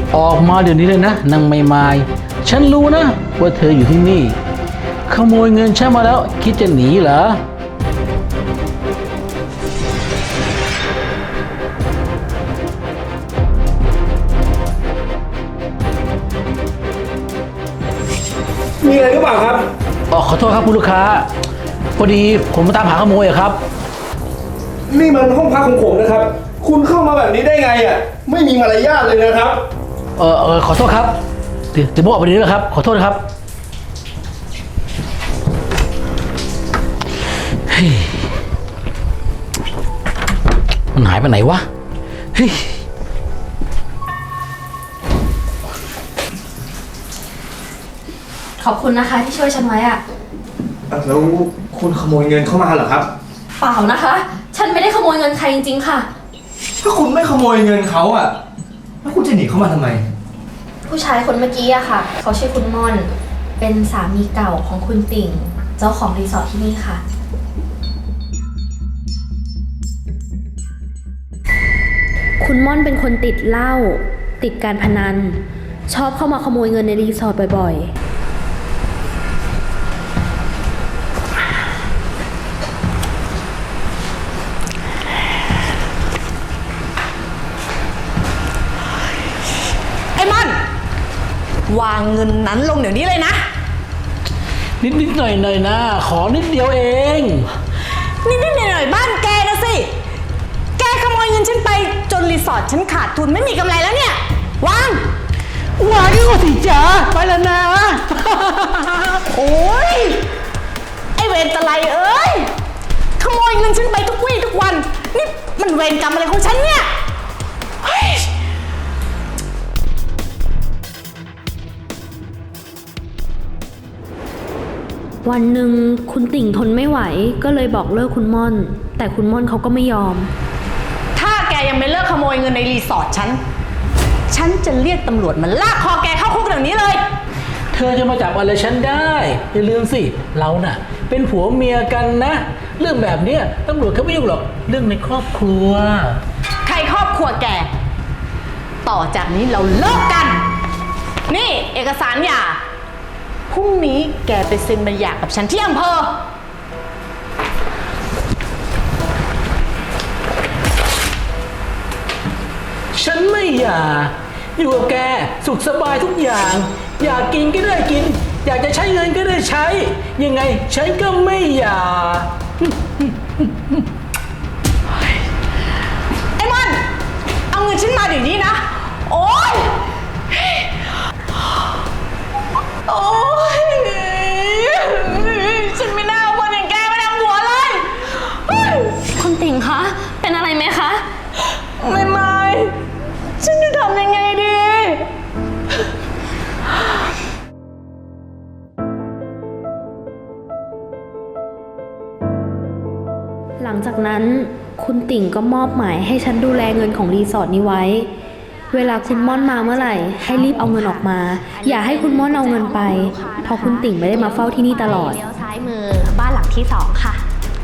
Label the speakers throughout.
Speaker 1: ออกมาเดี๋ยวนี้เลยนะนางไม่ไม้ฉันรู้นะว่าเธออยู่ที่นี่ขโมยเงินฉันมาแล้วคิดจะหนีเหรอ
Speaker 2: มีอะไรหรือเปล่าครับ
Speaker 1: ขอโทษครับคุณลูกค้าพอดีผมมาตามหาขโมยอะครับ
Speaker 2: นี่มันห้องพักของผมนะครับคุณเข้ามาแบบนี้ได้ไงอ่ะไม่มีมารยาทเลยนะครับ
Speaker 1: ขอโทษครับเดี๋ยวผมออกไปนี้แล้วครับขอโทษนะครับเฮ้ยมันหายไปไหนวะเฮ้ย
Speaker 3: ขอบคุณนะคะที่ช่วยฉันไว้อะ
Speaker 2: แล้วคุณขโมยเงินเข้ามาเหรอครับ
Speaker 3: เปล่านะคะ ฉันไม่ได้ขโมยเงินใครจริงๆค่ะ
Speaker 2: ถ้าคุณไม่ขโมยเงินเขาอ่ะแล้วคุณจะหนีเข้ามาทำไม
Speaker 3: ผู้ชายคนเมื่อกี้อะค่ะเขาชื่อคุณม่อนเป็นสามีเก่าของคุณติ่งเจ้าของรีสอร์ทที่นี่ค่ะคุณม่อนเป็นคนติดเหล้าติดการพนันชอบเข้ามาขโมยเงินในรีสอร์ทบ่อยๆ
Speaker 4: วางเงินนั้นลงเดี๋ยวนี้เลยนะ
Speaker 1: นิดหน่อยนะขอนิดเดียวเอง
Speaker 4: นิดหน่อยบ้านแกนะสิแกขโมยเงินฉันไปจนรีสอร์ทฉันขาดทุนไม่มีกำไรแล้วเนี่ยวาง
Speaker 1: ดีกว่าสิจ๋าไปแล้วนะ
Speaker 4: โอ้ยไอเวรตะไลเอ้ยขโมยเงินฉันไปทุกวี่ทุกวันนี่มันเวรกรรมอะไรของฉันเนี่ย
Speaker 3: วันหนึ่งคุณติ่งทนไม่ไหวก็เลยบอกเลิกคุณม่อนแต่คุณม่อนเขาก็ไม่ยอม
Speaker 4: ถ้าแกยังไม่เลิกขโมยเงินในรีสอร์ทฉันจะเรียกตำรวจมาลากคอแกเข้าคุกเดี๋ยวนี้เลย
Speaker 1: เธอจะมาจับอะไรฉันได้อย่าลืมสิเราน่ะเป็นผัวเมียกันนะเรื่องแบบนี้ตำรวจเขาไม่ยุ่งหรอกเรื่องในครอบครัว
Speaker 4: ใครครอบครัวแกต่อจากนี้เราเลิกกันนี่เอกสารหย่าพรุ่งนี้แกไปเซ็นใบหย่ากับฉันที่อำเภอ
Speaker 1: ฉันไม่อยากอยู่กับแกสุขสบายทุกอย่างอยากกินก็ได้กินอยากจะใช้เงินก็ได้ใช้ยังไงฉันก็ไม่อยาก
Speaker 4: ไอ้มันเอาเงินฉันมาเดี๋ยวนี้นะโอ๊ยโอ๊ยฉันไม่น่าเอาคนอย่างแกมาทำหัวเลย
Speaker 3: คุณติ่งคะเป็นอะไรไหมคะ
Speaker 4: ไม่ฉันจะทำยังไงดี
Speaker 3: หลังจากนั้นคุณติ่งก็มอบหมายให้ฉันดูแลเงินของรีสอร์ทนี้ไว้เวลาคุณม่อนมาเมื่อไหร่ให้รีบเอาเงินออกมาอย่าให้คุณม่อนเอาเงินไปเพราะคุณติ่งไม่ได้มาเฝ้าที่นี่ตลอดเลี้ยวซ้ายมือบ้านหลังที่2ค่ะ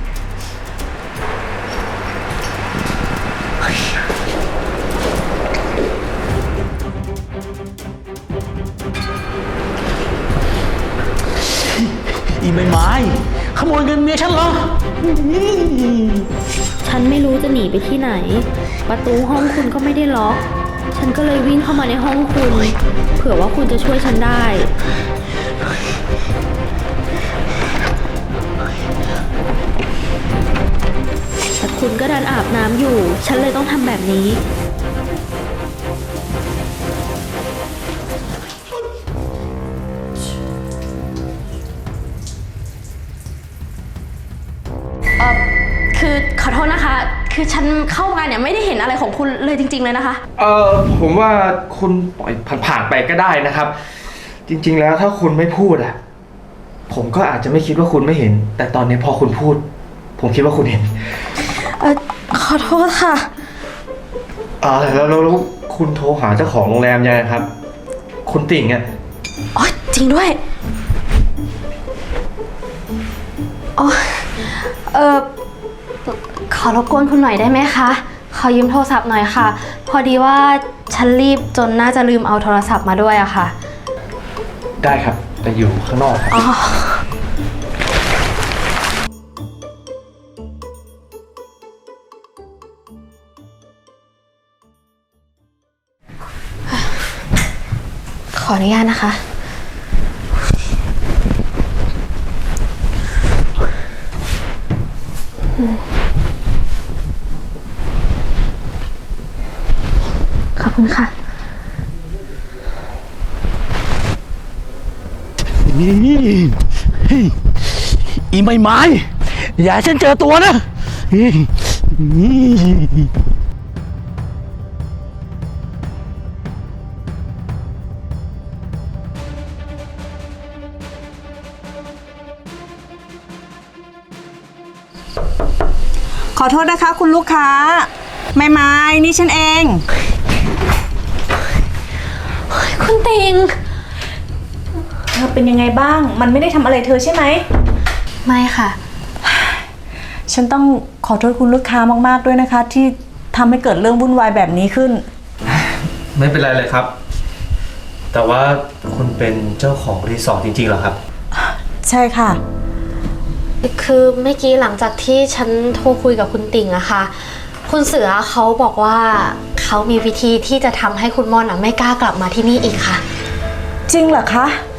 Speaker 1: อีไม้ขโมยเงินเมียฉันเหรอ
Speaker 3: ฉันไม่รู้จะหนีไปที่ไหนประตูห้องคุณก็ไม่ได้ล็อกฉันก็เลยวิ่งเข้ามาในห้องคุณเผื่อว่าคุณจะช่วยฉันได้แต่คุณก็ดันอาบน้ำอยู่ฉันเลยต้องทำแบบนี้คือขอโทษนะคะคือฉันเข้ามาเนี่ยไม่ได้เห็นอะไรของคุณเลยจริงๆเลยนะคะ
Speaker 2: ผมว่าคุณปล่อยผ่านไปก็ได้นะครับจริงๆแล้วถ้าคุณไม่พูดอะผมก็อาจจะไม่คิดว่าคุณไม่เห็นแต่ตอนนี้พอคุณพูดผมคิดว่าคุณเห็น
Speaker 3: ขอโทษค่ะ
Speaker 2: แล้วคุณโทรหาเจ้าของโรงแรมยังไงครับคุณติ่งอะ
Speaker 3: อ๋อจริงด้วยขอรบกวนคุณหน่อยได้ไหมคะขออยืมโทรศัพท์หน่อยค่ะ พอดีว่าฉันรีบจนน่าจะลืมเอาโทรศัพท์มาด้วยอะค่ะ
Speaker 2: ได้ครับแต่อยู่ข้างนอกครับ
Speaker 3: อ๋อ ขออนุญาตนะคะ ขอบคุณค่ะ
Speaker 1: นี่เฮ้ยอีไม้ไม้อย่าให้ฉันเจอตัวนะเฮ้ยนี่
Speaker 5: ขอโทษนะคะคุณลูกค้า ไม้นี่ฉันเอง
Speaker 3: คุณติง
Speaker 5: เธอเป็นยังไงบ้าง มันไม่ได้ทำอะไรเธอใช่ไหม
Speaker 3: ไม่ค่ะ
Speaker 5: ฉันต้องขอโทษคุณลูกค้ามากๆด้วยนะคะ ที่ทำให้เกิดเรื่องวุ่นวายแบบนี้ขึ้น
Speaker 2: ไม่เป็นไรเลยครับ แต่ว่าคุณเป็นเจ้าของรีสอร์ทจริงๆเหรอครับ
Speaker 5: ใช่ค่ะ
Speaker 3: คือเมื่อกี้หลังจากที่ฉันโทรคุยกับคุณติ่งอะค่ะ คุณเสือเขาบอกว่าเขามีวิธีที่จะทำให้คุณม่อนอะไม่กล้ากลับมาที่นี่อีกค่ะ
Speaker 5: จริงเหรอคะ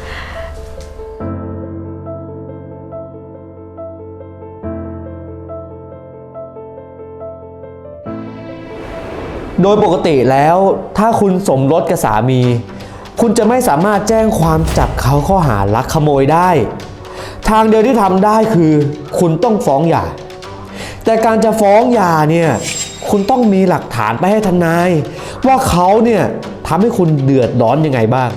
Speaker 6: โดยปกติแล้วถ้าคุณสมรสกับสามี คุณจะไม่สามารถแจ้งความจับเขาข้อหาลักขโมยได้ ทางเดียวที่ทำได้คือคุณต้องฟ้องหย่า แต่การจะฟ้องหย่าเนี่ยคุณต้องมีหลักฐานไปให้ทนาย ว่าเขาเนี่ยทำให้คุณเดือดร้อนยังไงบ้าง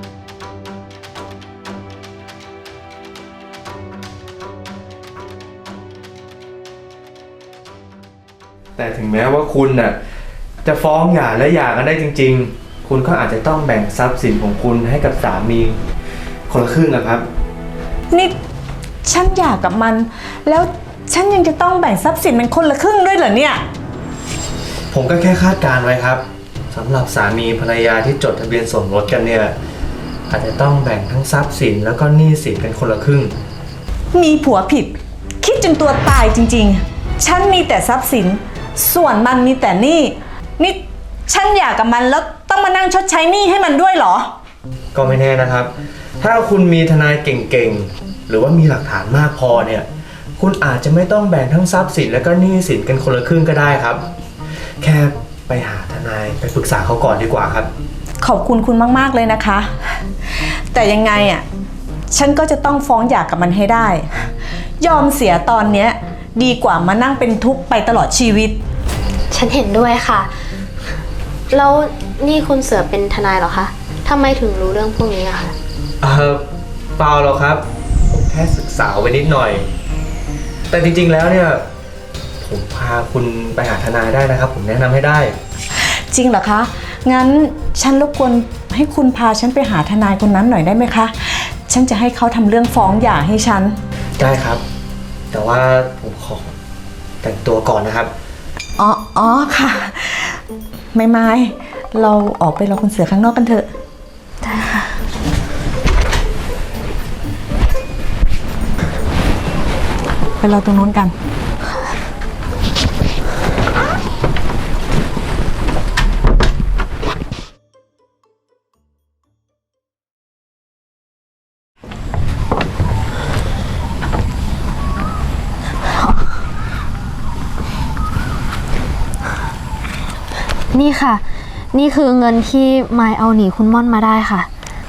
Speaker 2: แต่ถึงแม้ว่าคุณน่ะจะฟ้องหย่าและหย่ากันได้จริงๆ คุณก็อาจจะต้องแบ่งทรัพย์สินของคุณให้กับสามีคนละครึ่งนะครับ
Speaker 5: นี่ฉันหย่ากับมัน แล้วฉันยังจะต้องแบ่งทรัพย์สินเป็นคนละครึ่งด้วยเหรอเนี่ย
Speaker 2: ผมก็แค่คาดการณ์ไว้ครับสำหรับสามีภรรยาที่จดทะเบียนสมรสกันเนี่ยอาจจะต้องแบ่งทั้งทรัพย์สินแล้วก็หนี้สินกันคนละครึ่ง
Speaker 5: มีผัวผิด คิดจนตัวตายจริงๆ ฉันมีแต่ทรัพย์สิน ส่วนมันมีแต่หนี้นี่ฉันหย่ากับมันแล้วต้องมานั่งชดใช้หนี้ให้มันด้วยเหรอ
Speaker 2: ก็ไม่แน่นะครับ ถ้าคุณมีทนายเก่งๆ หรือว่ามีหลักฐานมากพอเนี่ย คุณอาจจะไม่ต้องแบ่งทั้งทรัพย์สินและก็หนี้สินกันคนละครึ่งก็ได้ครับ แค่ไปหาทนายไปปรึกษาเขาก่อนดีกว่าครับ
Speaker 5: ขอบคุณคุณมากๆเลยนะคะ แต่ยังไงอ่ะ ฉันก็จะต้องฟ้องหย่ากับมันให้ได้ ยอมเสียตอนเนี้ยดีกว่ามานั่งเป็นทุกข์ไปตลอดชีวิต
Speaker 3: ฉันเห็นด้วยค่ะ แล้วนี่คุณเสือเป็นทนายเหรอคะทำไมถึงรู้เรื่องพวกนี้อะคะ
Speaker 2: เปล่าหรอกครับ ผมแค่ศึกษาไว้นิดหน่อย แต่จริงๆแล้วเนี่ย ผมพาคุณไปหาทนายได้นะครับ ผมแนะนำให้ได้
Speaker 5: จริงเหรอคะ งั้นฉันรบกวนให้คุณพาฉันไปหาทนายคนนั้นหน่อยได้ไหมคะ ฉันจะให้เขาทำเรื่องฟ้องหย่าให้ฉัน
Speaker 2: ได้ครับ แต่ว่าผมขอแต่งตัวก่อนนะครับ
Speaker 5: อ๋อค่ะ ไม่เราออกไปรอคุณเสือข้างนอกกันเถอะ
Speaker 3: ได้ค่ะ
Speaker 5: ไปรอตรงนู้นกัน
Speaker 3: นี่ค่ะ นี่คือเงินที่มายเอาหนีคุณม่อนมาได้ค่ะ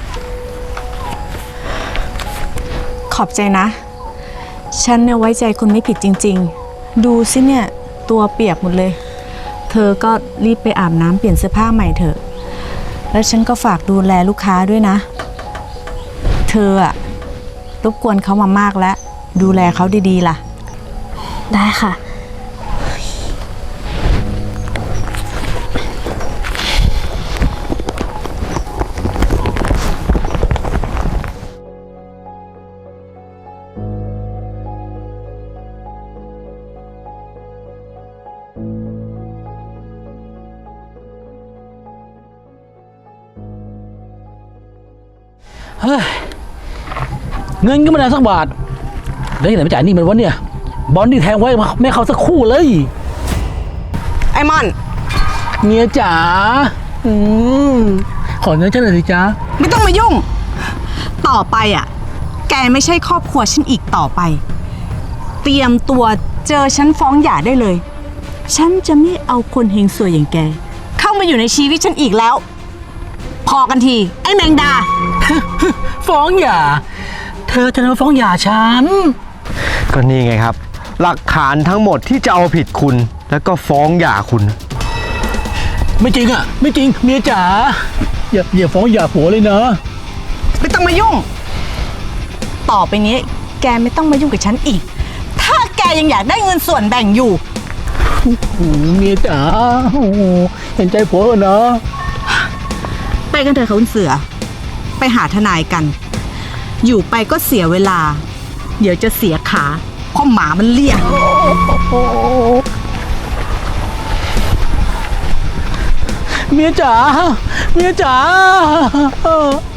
Speaker 5: ขอบใจนะ ฉันเนี่ยไว้ใจคุณไม่ผิดจริงๆ ดูสิเนี่ยตัวเปียกหมดเลย เธอก็รีบไปอาบน้ำเปลี่ยนเสื้อผ้าใหม่เถอะ แล้วฉันก็ฝากดูแลลูกค้าด้วยนะ เธออะรบกวนเขามามากแล้ว ดูแลเขาดีๆล่ะ
Speaker 3: ได้ค่ะ
Speaker 1: เฮ้ยเงินก็ไม่ได้สักบาทแล้วที่ไหนมาจ่ายหนี่มันวะเนี่ยบอลที่แทงไว้ไม่เข้าสักคู่เลย
Speaker 5: ไอ้มอน
Speaker 1: เมียจ๋าขอเงินฉันหน่อยสิจ๊ะ
Speaker 5: ไม่ต้องมายุ่ง ต่อไปอ่ะ แกไม่ใช่ครอบครัวฉันอีกต่อไป เตรียมตัวเจอฉันฟ้องหย่าได้เลย ฉันจะไม่เอาคนเฮงสวยอย่างแก เข้ามาอยู่ในชีวิตฉันอีกแล้ว พอกันที ไอ้แมงดา
Speaker 1: ฟ้องหย่าเธอจะมาฟ้องหย่าฉัน
Speaker 6: ก็นี่ไงครับ หลักฐานทั้งหมดที่จะเอาผิดคุณ แล้วก็ฟ้องหย่าคุณ
Speaker 1: ไม่จริงอ่ะ ไม่จริงเมียจ๋าอย่าฟ้องหย่าผัวเลยนะ
Speaker 5: ไม่ต้องมายุ่ง ต่อไปนี้ แกไม่ต้องมายุ่งกับฉันอีก ถ้าแกยังอยากได้เงินส่วนแบ่งอยู่
Speaker 1: เมียจ๋าเห็นใจผัวเนอะ
Speaker 5: ไปกันเถอะค่ะคุณเสือ ไปหาทนายกัน อยู่ไปก็เสียเวลา เดี๋ยวจะเสียขาเพราะหมามันเลีย
Speaker 1: เมียจ๋าเมียจ๋า